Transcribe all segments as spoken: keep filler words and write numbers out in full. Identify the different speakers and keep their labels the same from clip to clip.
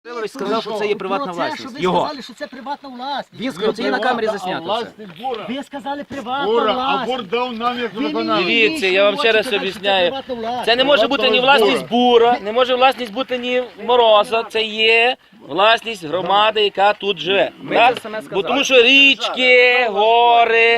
Speaker 1: Він сказав, що це є приватна власність.
Speaker 2: Ви
Speaker 1: Його.
Speaker 2: сказали, що це приватна власність.
Speaker 1: Він сказав, це є на камері заснято.
Speaker 2: Ви сказали приватна
Speaker 3: Бура, а
Speaker 2: власність.
Speaker 3: Бур дав нам як
Speaker 2: Ви мені
Speaker 3: виконавець.
Speaker 4: Дивіться, я вам ще раз
Speaker 2: хочете,
Speaker 4: об'ясняю.
Speaker 2: що це приватна власність.
Speaker 4: Це не може бути ні власність Бура, не може власність бути ні Мороза, це є власність громади, яка тут живе. Так?
Speaker 1: це саме сказали.
Speaker 4: Бо тому що річки, гори,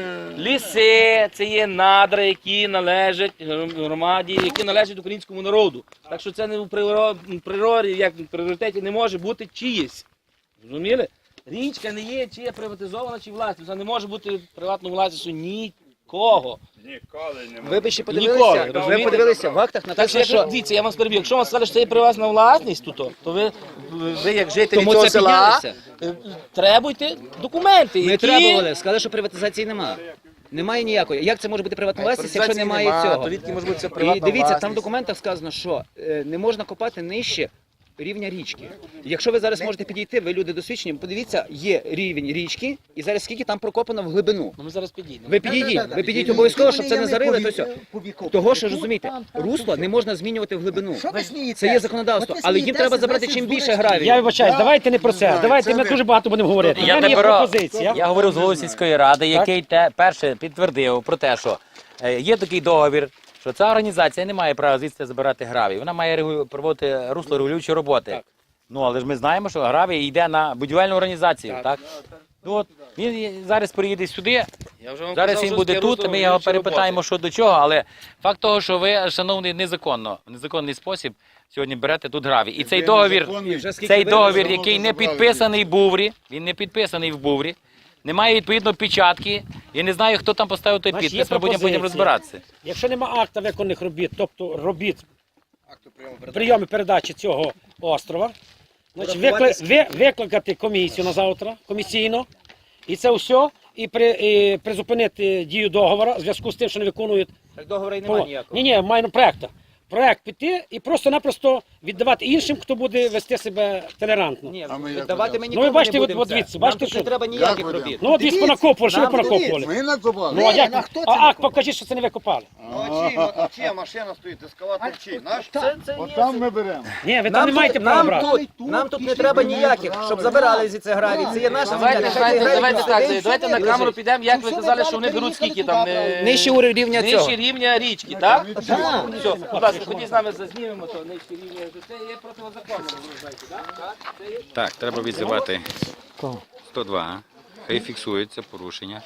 Speaker 4: ліси, це є надра, які належать громаді, які належать українському народу. Так що це не в приро- природі, як в пріоритеті не може бути чиїсь. Розуміли? Річка не є чи є приватизована, чи власність. Вона не може бути приватною власністю нікого.
Speaker 3: Ніколи не
Speaker 1: Ви б ще
Speaker 4: Ніколи,
Speaker 1: подивилися, ви
Speaker 4: розумієте?
Speaker 1: подивилися в актах
Speaker 4: Так що,
Speaker 1: написано,
Speaker 4: якщо,
Speaker 1: що
Speaker 4: дивіться, я вам скажу, якщо вам сказали, що це є приватна власність тут, то ви, ви як жителі
Speaker 1: тому
Speaker 4: цього
Speaker 1: це
Speaker 4: села,
Speaker 1: піднялися.
Speaker 4: е, требуйте документи,
Speaker 1: Ми
Speaker 4: які...
Speaker 1: требували, сказали, що приватизації немає. Немає ніякої. Як це може бути приватна власність, якщо
Speaker 4: Приватизації
Speaker 1: немає
Speaker 4: нема,
Speaker 1: цього?
Speaker 4: то відки може бути це
Speaker 1: І
Speaker 4: приватна
Speaker 1: дивіться, там в
Speaker 4: власність?
Speaker 1: документах сказано, що е, не можна копати нижче рівня річки. Якщо ви зараз можете підійти, ви люди досвідчені, подивіться, є рівень річки, і зараз скільки там прокопано в глибину.
Speaker 4: Ну ми зараз підійдемо.
Speaker 1: Ви підійдіть, ви підійдіть обов'язково, щоб це не зарили, то все. Того, що розумієте, русло не можна змінювати в глибину. Це є законодавство, але їм треба забрати чим більше гравію.
Speaker 5: Я вибачаюсь, давайте не про це. Давайте ми дуже багато будемо говорити. У
Speaker 6: Я
Speaker 5: мене є
Speaker 6: не беру.
Speaker 5: пропозиція.
Speaker 6: Я говорив з головою сільської ради, який те перше підтвердив про те, що е, є такий договір, що ця організація не має права звідси забирати гравій. Вона має регу- проводити русло регулюючі роботи. Ну але ж ми знаємо, що гравій йде на будівельну організацію. Так. Ну, от, він зараз приїде сюди.
Speaker 4: Я вже вам
Speaker 6: Зараз
Speaker 4: казав,
Speaker 6: він
Speaker 4: що
Speaker 6: буде
Speaker 4: це
Speaker 6: тут,
Speaker 4: русло
Speaker 6: ми його
Speaker 4: регулюючі
Speaker 6: перепитаємо,
Speaker 4: роботи.
Speaker 6: що до чого, але факт того, що ви, шановний, незаконно, в незаконний спосіб сьогодні берете тут гравій. І цей договір, цей договір, який не підписаний в Буврі, він не підписаний в Буврі, немає відповідно печатки, я не знаю, хто там поставив той
Speaker 5: Значить, є
Speaker 6: підпис, ми будемо потім
Speaker 5: пропозиція.
Speaker 6: розбиратися.
Speaker 5: Якщо нема акта виконаних робіт, тобто робіт прийому передачі цього острова, значить, викли... ви... викликати комісію на завтра, комісійно, і це все, і, при... і призупинити дію договору в зв'язку з тим, що не виконують.
Speaker 1: Так договору і немає ніякого.
Speaker 5: Ні, ні, маю проєкту. Проєкт піти і просто-напросто віддавати іншим, хто буде вести себе толерантно.
Speaker 1: Ні,
Speaker 3: А ми як
Speaker 1: давати ми
Speaker 3: будемо?
Speaker 1: нікому
Speaker 5: Ну, ви бачите,
Speaker 1: не
Speaker 5: от-
Speaker 1: будемо
Speaker 5: от
Speaker 1: це.
Speaker 5: дивіться,
Speaker 1: Нам
Speaker 5: бачите,
Speaker 1: тут не
Speaker 5: що-
Speaker 1: треба ніяких
Speaker 3: будемо?
Speaker 1: робіт.
Speaker 5: Ну, от ви понакопували, що ви
Speaker 1: Нам
Speaker 5: понакопували?
Speaker 3: Ми накопали.
Speaker 5: Ну, а як?
Speaker 2: а хто це
Speaker 5: А акт
Speaker 2: накопав?
Speaker 5: покажіть, що це не ви копали.
Speaker 7: Ну, чий, ну, чия машина стоїть, ескалатор чий? Наш?
Speaker 4: Це, це
Speaker 3: От
Speaker 4: є...
Speaker 3: там ми беремо.
Speaker 5: Ні, ви там
Speaker 1: Нам
Speaker 5: не маєте
Speaker 1: тут,
Speaker 5: права
Speaker 1: нам
Speaker 5: брати.
Speaker 1: тут, нам тут не треба ніяких, щоб забирали зі це гравій. Це є наша
Speaker 4: Давайте,
Speaker 1: земля.
Speaker 4: давайте,
Speaker 1: Нехай
Speaker 4: давайте
Speaker 1: цей
Speaker 4: так,
Speaker 1: гравій
Speaker 4: давайте на
Speaker 1: сюди
Speaker 4: камеру
Speaker 1: лежить.
Speaker 4: підемо, як ви казали, що вони беруть скільки там... е,
Speaker 1: Нижче уровень рівня цього.
Speaker 4: Нижче рівня річки, так? Все, будь ласка, ходіть з нами зазнімемо, то нижче рівня, це є протизаконно, ви знаєте, так? Це є...
Speaker 6: Так, треба відзивати сто два, хай фіксується порушення.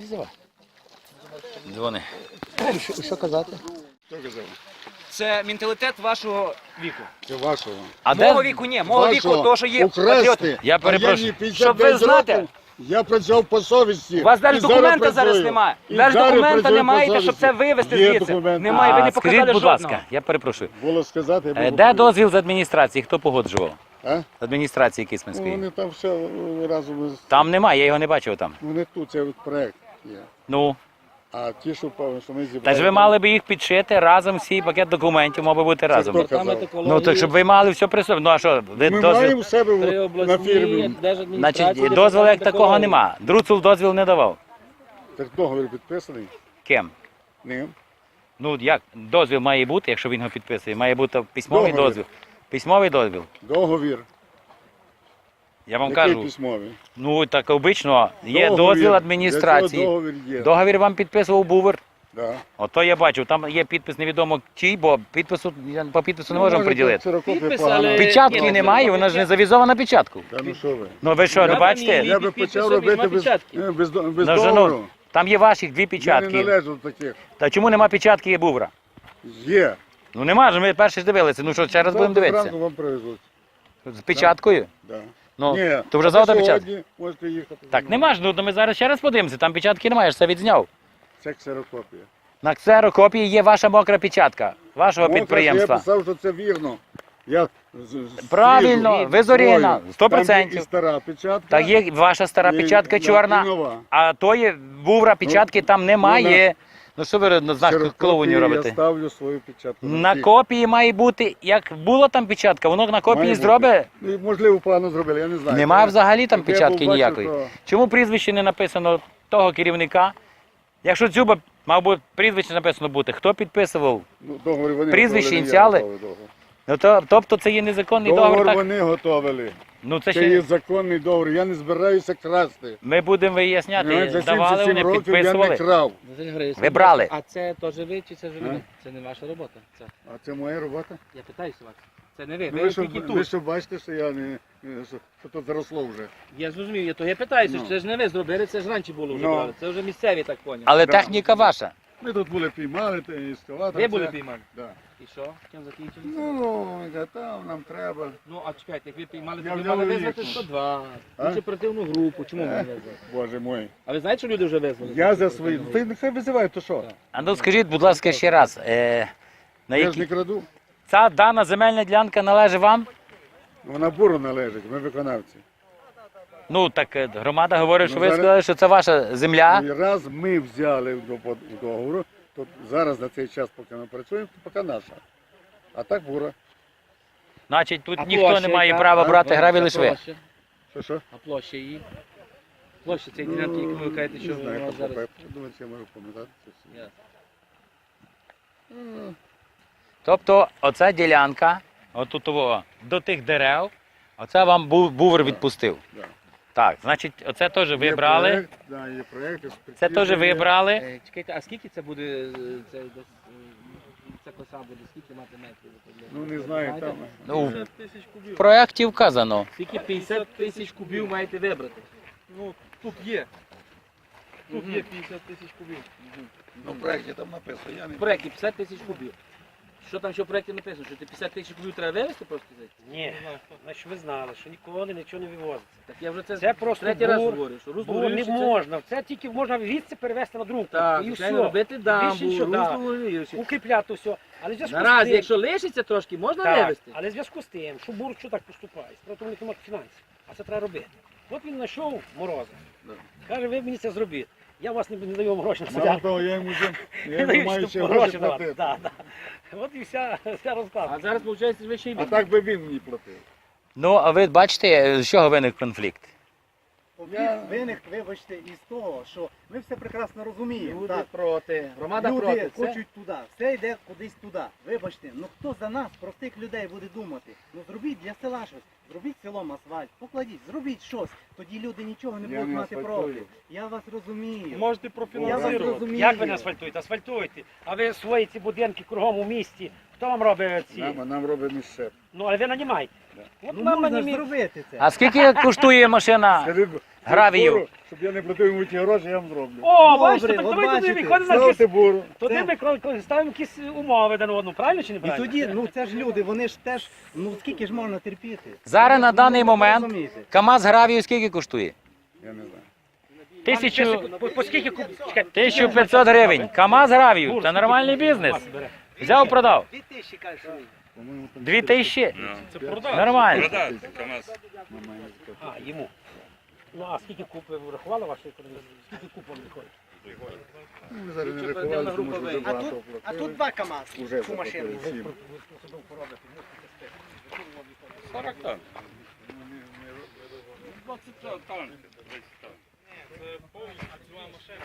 Speaker 6: Дзвони.
Speaker 2: Що казати?
Speaker 3: Хто казав?
Speaker 1: Це менталітет вашого віку.
Speaker 3: Це вашого.
Speaker 6: А
Speaker 1: Мого
Speaker 6: де?
Speaker 1: віку ні, мого віку
Speaker 3: Вашого.
Speaker 1: то, що є
Speaker 3: Украсти.
Speaker 1: патріоти.
Speaker 6: Я
Speaker 3: А
Speaker 6: перепрошую.
Speaker 3: мені п'ятдесят
Speaker 1: Щоб ви
Speaker 3: п'ять
Speaker 1: знати,
Speaker 3: років, я працював по совісті.
Speaker 1: У вас навіть
Speaker 3: І зараз
Speaker 1: документа зараз
Speaker 3: працюю.
Speaker 1: немає.
Speaker 3: І
Speaker 1: Навіть
Speaker 3: зараз
Speaker 1: документа
Speaker 3: працюю
Speaker 1: не
Speaker 3: по
Speaker 1: маєте, щоб
Speaker 3: совісті.
Speaker 1: це вивезти
Speaker 3: Є
Speaker 1: звідси.
Speaker 3: документи.
Speaker 1: Немає, ви не
Speaker 6: А,
Speaker 1: показали
Speaker 6: скажіть, будь
Speaker 1: жодного.
Speaker 6: ласка, я перепрошую.
Speaker 3: Було сказати, я
Speaker 6: Е,
Speaker 3: був
Speaker 6: Де
Speaker 3: готовий.
Speaker 6: дозвіл з адміністрації? Хто погоджував?
Speaker 3: А?
Speaker 6: З адміністрації
Speaker 3: Ну,
Speaker 6: Кисменської.
Speaker 3: вони там все е, разом. із-
Speaker 6: Там немає, я його не бачив там.
Speaker 3: Вони тут, це от проект є.
Speaker 6: Ну,
Speaker 3: А ті, що певно, що ми зібрали.
Speaker 6: та ж ви мали би їх підшити разом, всі пакет документів мав би бути разом.
Speaker 3: хто казав?
Speaker 6: Ну, так щоб ви мали все при собі. Ну, а що, ви
Speaker 3: Ми
Speaker 6: дозвіл?
Speaker 3: маємо в себе
Speaker 4: При
Speaker 3: на
Speaker 4: обласній
Speaker 3: фірмі.
Speaker 4: держадміністрації...
Speaker 6: Значить, дозволу як такого нема. Друцул дозвіл не давав.
Speaker 3: Так договір підписаний.
Speaker 6: Ким?
Speaker 3: Ним.
Speaker 6: Ну, як? Дозвіл має бути, якщо він його підписує. Має бути письмовий
Speaker 3: Договір.
Speaker 6: дозвіл. Письмовий дозвіл.
Speaker 3: Договір.
Speaker 6: Я вам
Speaker 3: Який
Speaker 6: кажу,
Speaker 3: письмовий?
Speaker 6: ну так обично, є
Speaker 3: Договір.
Speaker 6: дозвіл
Speaker 3: Для
Speaker 6: адміністрації.
Speaker 3: цього договір є.
Speaker 6: Договір вам підписував Бувер.
Speaker 3: Да.
Speaker 6: Ото я бачив, там є підпис невідомо чий, бо підпису, я по підпису не можемо
Speaker 3: може,
Speaker 6: приділити.
Speaker 3: ксерокопія
Speaker 4: Підпис,
Speaker 3: погана.
Speaker 4: але-
Speaker 6: Печатки
Speaker 4: Ні,
Speaker 6: немає, вона ж не завізована печатку.
Speaker 3: Та ну що ви?
Speaker 6: Ну ви що, не
Speaker 4: Я
Speaker 6: бачите?
Speaker 4: ні.
Speaker 3: Я би
Speaker 4: підпису
Speaker 3: почав
Speaker 4: нема
Speaker 3: робити без,
Speaker 4: печатки.
Speaker 3: е, без, до- без
Speaker 6: Ну,
Speaker 3: договору.
Speaker 6: шановні, там є ваших дві
Speaker 3: Я не
Speaker 6: печатки.
Speaker 3: належу до таких.
Speaker 6: Та чому нема печатки є Бувра?
Speaker 3: Є.
Speaker 6: Ну нема ж, ми перші ж дивилися. Ну що, ще раз будемо
Speaker 3: Завтра
Speaker 6: дивитися.
Speaker 3: зранку вам привезуть.
Speaker 6: З печаткою?
Speaker 3: Да.
Speaker 6: Ну,
Speaker 3: Ні,
Speaker 6: то вже
Speaker 3: а
Speaker 6: завтра
Speaker 3: ви
Speaker 6: печатка.
Speaker 3: сьогодні можете їхати.
Speaker 6: Так, нема ж, ну то ми зараз ще раз подивимося, там печатки немає, я ж це відзняв.
Speaker 3: Це ксерокопія.
Speaker 6: На ксерокопії є ваша мокра печатка, вашого
Speaker 3: Мокра,
Speaker 6: підприємства.
Speaker 3: Я писав, що це вірно. Я з- з-
Speaker 6: Правильно,
Speaker 3: свіжу,
Speaker 6: ви зоріна,
Speaker 3: свою.
Speaker 6: сто
Speaker 3: Там
Speaker 6: процентів.
Speaker 3: є і стара печатка.
Speaker 6: Так є ваша стара
Speaker 3: і-
Speaker 6: печатка
Speaker 3: і
Speaker 6: чорна,
Speaker 3: нова.
Speaker 6: а тої Бувра печатки там немає. Ну що ви на знак
Speaker 3: Ксерокопії
Speaker 6: клоунів
Speaker 3: Я
Speaker 6: робите?
Speaker 3: ставлю свою печатку.
Speaker 6: На
Speaker 3: всі.
Speaker 6: копії має бути, як була там печатка, воно на копії
Speaker 3: Має бути.
Speaker 6: зробить.
Speaker 3: Ну, і, можливо, погано зробили, я не знаю.
Speaker 6: Немає
Speaker 3: Це-
Speaker 6: взагалі там
Speaker 3: Щоб я
Speaker 6: печатки
Speaker 3: побачив,
Speaker 6: ніякої.
Speaker 3: то-
Speaker 6: Чому прізвище не написано того керівника? Якщо Дзюба, мав би прізвище написано бути, хто підписував?
Speaker 3: Ну, договори вони
Speaker 6: Прізвище,
Speaker 3: готували, не я
Speaker 6: ініціали?
Speaker 3: готовий договір.
Speaker 6: Ну, то, тобто це є незаконний договір,
Speaker 3: Договор
Speaker 6: так?
Speaker 3: вони готовили.
Speaker 6: Ну, це
Speaker 3: Це
Speaker 6: ще
Speaker 3: є законний договор. Я не збираюся красти.
Speaker 6: ми будемо
Speaker 3: Навіть
Speaker 6: виясняти.
Speaker 3: за
Speaker 6: Давали,
Speaker 3: сімдесят сім
Speaker 6: вони
Speaker 3: років я не
Speaker 6: підписували.
Speaker 3: крав.
Speaker 6: Ви брали?
Speaker 4: А це теж ви чи це вже
Speaker 3: А?
Speaker 4: ви? Це не ваша робота. Це.
Speaker 3: А це моя робота.
Speaker 4: Я питаюся вас. Це не ви.
Speaker 3: Ну,
Speaker 4: Ви
Speaker 3: ви, що,
Speaker 4: тільки
Speaker 3: ви
Speaker 4: тут.
Speaker 3: що бачите, що я не, не- що, що тут заросло вже.
Speaker 4: Я зрозумів, я то я питаюся,
Speaker 3: Ну.
Speaker 4: що це ж не ви зробили, це ж раніше було вже
Speaker 3: Ну.
Speaker 4: брали. Це вже місцеві так поняли.
Speaker 6: Але
Speaker 3: Да.
Speaker 6: техніка ваша.
Speaker 3: Ми тут були піймали, та і ескалатор.
Speaker 4: Ви були
Speaker 3: це-
Speaker 4: піймали.
Speaker 3: Да.
Speaker 4: І що? Чим закінчилося?
Speaker 3: Ну, я там нам треба.
Speaker 4: Ну, а чекайте, як ви піймали,
Speaker 3: Я
Speaker 4: то ви
Speaker 3: взяв
Speaker 4: мали
Speaker 3: і
Speaker 4: визвати
Speaker 3: їхав.
Speaker 4: сто два,
Speaker 3: А?
Speaker 4: іншу оперативну групу. Чому ви не
Speaker 3: Е.
Speaker 4: визвали?
Speaker 3: Боже мой.
Speaker 4: А ви знаєте, що люди вже визвали?
Speaker 3: Я за свої. Ти нехай визивай, то що?
Speaker 4: Так.
Speaker 6: А ну скажіть, будь ласка, ще раз. Е, на
Speaker 3: Я ж
Speaker 6: які...
Speaker 3: не краду.
Speaker 6: Ця дана земельна ділянка належить вам?
Speaker 3: Вона буру належить, ми виконавці.
Speaker 6: Ну, так е, громада говорить, що
Speaker 3: Ну,
Speaker 6: ви
Speaker 3: зараз-
Speaker 6: сказали, що це ваша земля.
Speaker 3: І раз ми взяли в до- в договору, то зараз на цей час, поки ми працюємо, то поки наша. А так бура.
Speaker 6: Значить, тут
Speaker 4: А
Speaker 6: ніхто
Speaker 4: площа
Speaker 6: не має
Speaker 4: яка?
Speaker 6: права
Speaker 3: А?
Speaker 6: брати граві,
Speaker 4: А
Speaker 6: лише ви.
Speaker 4: площа?
Speaker 3: Що що?
Speaker 4: А площа її? Площа цієї ділянки, яку ви кажете, що
Speaker 3: Не знаю,
Speaker 4: вона
Speaker 3: як
Speaker 4: зараз.
Speaker 3: зараз... Думаю, чи я можу пам'ятати це все.
Speaker 4: Ясно.
Speaker 6: Тобто, оця ділянка, отут того, до тих дерев, оце вам був, бувер відпустив.
Speaker 3: Да.
Speaker 6: Так, значить, оце теж ви
Speaker 3: Є
Speaker 6: брали.
Speaker 3: проект, да, є проект,
Speaker 6: Це
Speaker 3: експертиза
Speaker 6: теж ви
Speaker 3: є.
Speaker 6: брали.
Speaker 4: Е, Чекайте, а скільки це буде, е, це, десь, е, ця коса буде, скільки мати метрів?
Speaker 3: Ну не знаю, там.
Speaker 6: Ну,
Speaker 4: п'ятдесят тисяч
Speaker 6: в
Speaker 4: кубів.
Speaker 6: проєкті вказано.
Speaker 4: Скільки п'ятдесят тисяч кубів маєте вибрати?
Speaker 8: Ну, тут є. Тут є п'ятдесят тисяч кубів.
Speaker 3: Ну, в проекті там написано, я не
Speaker 4: В проєкті п'ятдесят тисяч кубів. Що там ще в проєкті написано? Що ти п'ятдесят тисяч кубів треба вивезти просто звідти?
Speaker 5: Ні, значить ви знали, що ніколи нічого не вивозиться.
Speaker 4: Так я вже це,
Speaker 5: Це просто
Speaker 4: третій раз
Speaker 5: бур,
Speaker 4: говорю, що русло
Speaker 5: Бо не
Speaker 4: горілище це-
Speaker 5: можна. Це тільки можна відси перевезти на другу.
Speaker 4: Так,
Speaker 5: і
Speaker 4: звичайно,
Speaker 5: все.
Speaker 4: робити дамбу,
Speaker 5: Більше нічого,
Speaker 4: русло
Speaker 5: да.
Speaker 4: горілище.
Speaker 5: Укріпляти все. Але в зв'язку з
Speaker 4: Наразі,
Speaker 5: тим,
Speaker 4: якщо лишиться трошки, можна
Speaker 5: так,
Speaker 4: вивезти.
Speaker 5: але в зв'язку з тим, що бур що так поступає, справді у них немає фінансів, а це треба робити. От він знайшов Мороза. Каже, ви мені це зробіть. Я вас не, не даю вам гроші на
Speaker 3: Мало
Speaker 5: садянку.
Speaker 3: того, я йому вже я
Speaker 5: Не
Speaker 3: йому
Speaker 5: даю,
Speaker 3: маю
Speaker 5: щоб
Speaker 3: ще
Speaker 5: гроші
Speaker 3: гроші
Speaker 5: давати.
Speaker 3: платити.
Speaker 5: Да, да. От і вся, вся розкладка.
Speaker 4: А зараз, виходить, ви ще й
Speaker 3: А так би він мені платив.
Speaker 6: Ну, а ви бачите, з чого виник конфлікт?
Speaker 2: Конфлікт виник, вибачте, із того, що ми все прекрасно розуміємо.
Speaker 4: Люди
Speaker 2: Так,
Speaker 4: проти, громада
Speaker 2: люди
Speaker 4: проти. Це...
Speaker 2: хочуть туди, все йде кудись туди. Вибачте, ну хто за нас, простих людей, буде думати? Ну зробіть для села щось, зробіть селом асфальт, покладіть, зробіть щось. Тоді люди нічого не
Speaker 3: Я
Speaker 2: будуть
Speaker 3: не
Speaker 2: мати
Speaker 3: асфальтую.
Speaker 2: проти. Я вас розумію.
Speaker 8: Можете
Speaker 2: Я вас
Speaker 8: профінансувати.
Speaker 2: розумію.
Speaker 5: Як ви не асфальтуєте? Асфальтуєте. А ви свої ці будинки кругом у місті. Хто вам робить ці?
Speaker 3: Нам, нам робить місце.
Speaker 5: Ну, але ви нанімаєте. От
Speaker 2: Ну
Speaker 5: нам
Speaker 2: можна ж
Speaker 5: нанімі-
Speaker 2: зробити це.
Speaker 6: А скільки коштує машина?
Speaker 3: Скажи, б,
Speaker 6: Гравію.
Speaker 3: буру, щоб я не платив йому ті гроші, я вам зроблю.
Speaker 5: О,
Speaker 2: Добре,
Speaker 5: бачите, так
Speaker 2: от
Speaker 5: давайте туди
Speaker 2: бачите,
Speaker 5: виходимо на якісь...
Speaker 3: Ставте буру.
Speaker 5: Туди ми кро- кро- ставимо якісь умови один одному, правильно чи не
Speaker 2: І
Speaker 5: правильно?
Speaker 2: тоді, ну це ж люди, вони ж теж, ну скільки ж можна терпіти?
Speaker 6: Зараз на
Speaker 2: Ну,
Speaker 6: даний
Speaker 2: ви
Speaker 6: момент
Speaker 2: розумієте.
Speaker 6: КАМАЗ гравію скільки коштує?
Speaker 3: Я не знаю.
Speaker 6: Тисячу...
Speaker 5: По, по скільки куб... Чекайте.
Speaker 6: тисяча п'ятсот гривень. КАМАЗ гравію. Це нормальний бізнес. Взяв, продав.
Speaker 2: Дві тисячі, кажуть, що ви.
Speaker 3: По-моєму, там
Speaker 6: Дві тисячі.
Speaker 8: Це продаж.
Speaker 6: Нормально.
Speaker 8: Продаж, КамАЗ.
Speaker 3: немає ніякого.
Speaker 5: А, йому. Ну, а скільки куб ви врахували вашої економії? Скільки куб вам виходить?
Speaker 3: Ну, ми зараз не
Speaker 4: Слідчо
Speaker 3: рахували,
Speaker 4: оперативна
Speaker 3: тому що
Speaker 4: група
Speaker 3: вже
Speaker 2: А
Speaker 3: багато
Speaker 2: тут, а
Speaker 3: платили.
Speaker 2: тут два КАМАЗи,
Speaker 3: Уже
Speaker 2: цю машину.
Speaker 3: заплатили всім.
Speaker 8: сорок тонн. двадцять тонн. Це повністю ціла машина.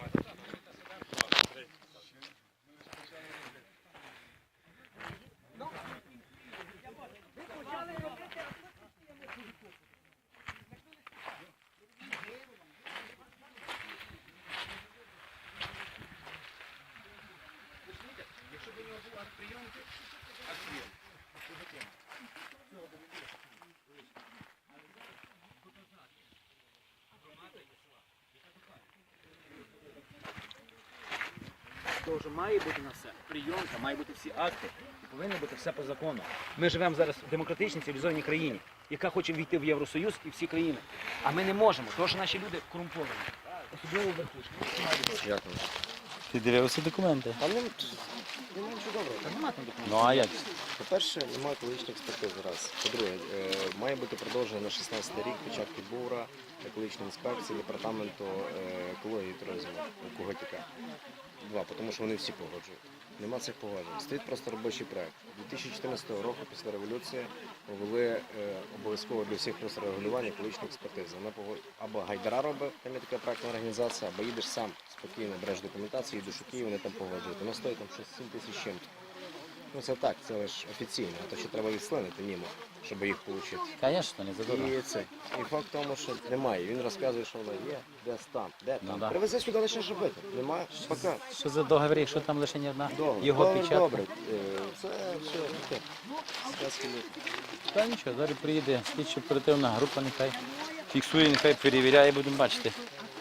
Speaker 1: Тож має бути на все. Прийомка, має бути всі акти. І повинно бути все по закону. Ми живемо зараз в демократичній цивілізованій країні, яка хоче війти в Євросоюз і всі країни. А ми не можемо, тому що наші люди корумповані. Особливо верхушки.
Speaker 6: Ти дивився документи?
Speaker 9: Там нема нічого доброго.
Speaker 1: Та нема там документів.
Speaker 6: Ну а як?
Speaker 9: По-перше, немає екологічної експертизи раз. По-друге, е, має бути продовжено на шістнадцятий рік початки БУРа, екологічної інспекції, департаменту е, екології і туризму у Коготіка. Два, тому що вони всі погоджують. Нема цих погоджень. Стоїть просто робочий проект. дві тисячі чотирнадцятого року після революції ввели е, обов'язково для всіх просто регулювання екологічної експертизи. Вона погод... або Гайдара робить, там є така проектна організація, або їдеш сам спокійно, береш документацію, їдеш у Київ, вони там погоджують. Воно стоїть там щось сім тисяч чим-то. Ну це так, це лише офіційно, а то ще треба відслинити німо, щоб їх отримати.
Speaker 6: Звісно, не задурно.
Speaker 9: І це. І факт в тому, що немає. Він розказує, що вона є, десь там, де
Speaker 6: Ну,
Speaker 9: там.
Speaker 6: да.
Speaker 9: Привези сюди лише робити. Немає. Пока.
Speaker 6: Що за договір, якщо там лише не одна
Speaker 9: Добре.
Speaker 6: його
Speaker 9: Добре,
Speaker 6: печатка?
Speaker 9: добре. Е, Це все таке. Сказки ні.
Speaker 6: Та нічого, зараз приїде слідчо оперативна група, нехай фіксує, нехай перевіряє, будемо бачити.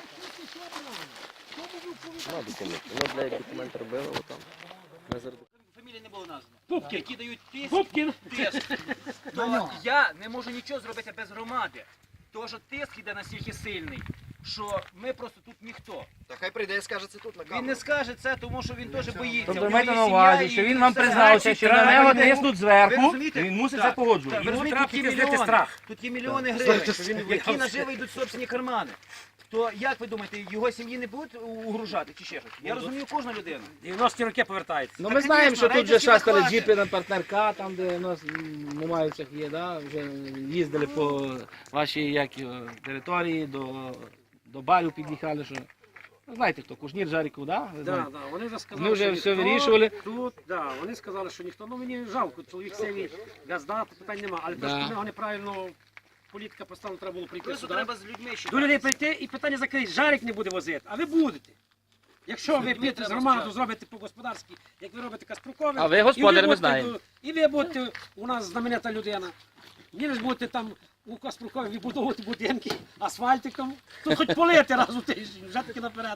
Speaker 9: Нема документів. Ми, блядь, документ робили, отам. Ми зараз
Speaker 1: Фамілії не було названо.
Speaker 5: Пупкін.
Speaker 1: Які дають тиск,
Speaker 5: Пупкін.
Speaker 1: тиск. То я не можу нічого зробити без громади. Тому що тиск іде настільки сильний, що ми просто тут ніхто.
Speaker 7: Та хай прийде і скаже це тут на
Speaker 1: Він
Speaker 7: камеру.
Speaker 1: не скаже це, тому що він теж боїться.
Speaker 4: Тобто
Speaker 1: У нього
Speaker 4: майте
Speaker 1: є
Speaker 4: на
Speaker 1: сім'я
Speaker 4: увазі,
Speaker 1: і
Speaker 4: що він вам
Speaker 1: все.
Speaker 4: признався, що на нього тиснуть
Speaker 1: Ви
Speaker 4: зверху,
Speaker 1: розумієте?
Speaker 4: він мусить
Speaker 1: Так.
Speaker 4: це погоджувати.
Speaker 1: Так, ви
Speaker 5: Йому
Speaker 1: розумієте,
Speaker 5: треба
Speaker 1: тут є
Speaker 5: підкреслити
Speaker 1: мільйони,
Speaker 5: страх.
Speaker 1: тут є мільйони гривень, які наживо йдуть в собственні кармани. То як ви думаєте, його сім'ї не будуть угружати чи ще щось? Я розумію кожну людину.
Speaker 5: дев'яності роки повертаються.
Speaker 4: Ну
Speaker 1: Та,
Speaker 4: ми знаємо,
Speaker 1: звісно,
Speaker 4: що тут вже
Speaker 1: рейдерські
Speaker 4: шастали
Speaker 1: захвати.
Speaker 4: джіпи на партнерка, там де у нас немає всіх є, да? Вже їздили по вашій як, його, території, до, до барів під'їхали, що. Ну, знаєте хто, Кушнір, Жаріков, да? Ви
Speaker 5: Да,
Speaker 4: знаєте?
Speaker 5: да, вони вже сказали,
Speaker 4: Ми вже
Speaker 5: що
Speaker 4: все
Speaker 5: ніхто
Speaker 4: вирішували.
Speaker 5: Тут, да, вони сказали, що ніхто, ну мені жалко, чоловік сивий, газда, питань нема, але
Speaker 4: Да.
Speaker 5: просто в нього неправильно політика поставила, треба було прийти
Speaker 1: Просто
Speaker 5: сюди.
Speaker 1: треба з людьми ще.
Speaker 5: До людей прийти і питання закрити, Жарик не буде возити, а ви будете. Якщо ви
Speaker 1: людьми
Speaker 5: підете з
Speaker 1: треба
Speaker 5: громаду,
Speaker 1: спочатку.
Speaker 5: зробите по-господарськи, як ви робите Каспрукове,
Speaker 4: А ви
Speaker 5: і
Speaker 4: господар, ми
Speaker 5: будете,
Speaker 4: знаємо.
Speaker 5: І ви будете у нас знаменита людина. Ви ж будете там у Каспрукові вибудовувати будинки асфальтиком, тут хоч полити раз у тиждень, вже таки наперед.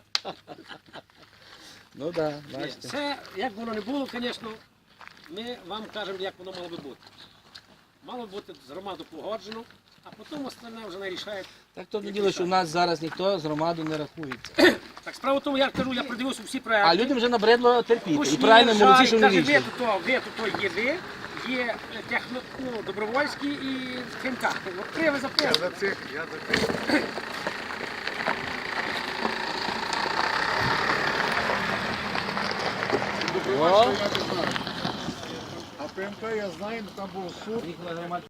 Speaker 4: Ну так, да, бачите.
Speaker 5: Це, як воно не було, звісно, ми вам кажемо, як воно мало би бути. Мало бути з громадою погоджено, а потім остальне вже не рішає.
Speaker 4: Так то не діло, що в нас зараз ніхто з громаду не рахується.
Speaker 5: Так справа в тому, я кажу, я продивився всі проекти.
Speaker 4: А людям вже набридло терпіти. І
Speaker 5: Кушнір,
Speaker 4: правильно молодці,
Speaker 5: Жарик,
Speaker 4: що не
Speaker 5: каже, ви
Speaker 4: вийшли.
Speaker 5: тут, ви тут є ви, є техно, ну, добровольські і КМК. Три ви
Speaker 3: Я
Speaker 5: записали.
Speaker 3: за цих, я за цих.
Speaker 4: О,
Speaker 3: Я не знаю. А ПМК я знаю, там був суд.
Speaker 4: їх на громаді.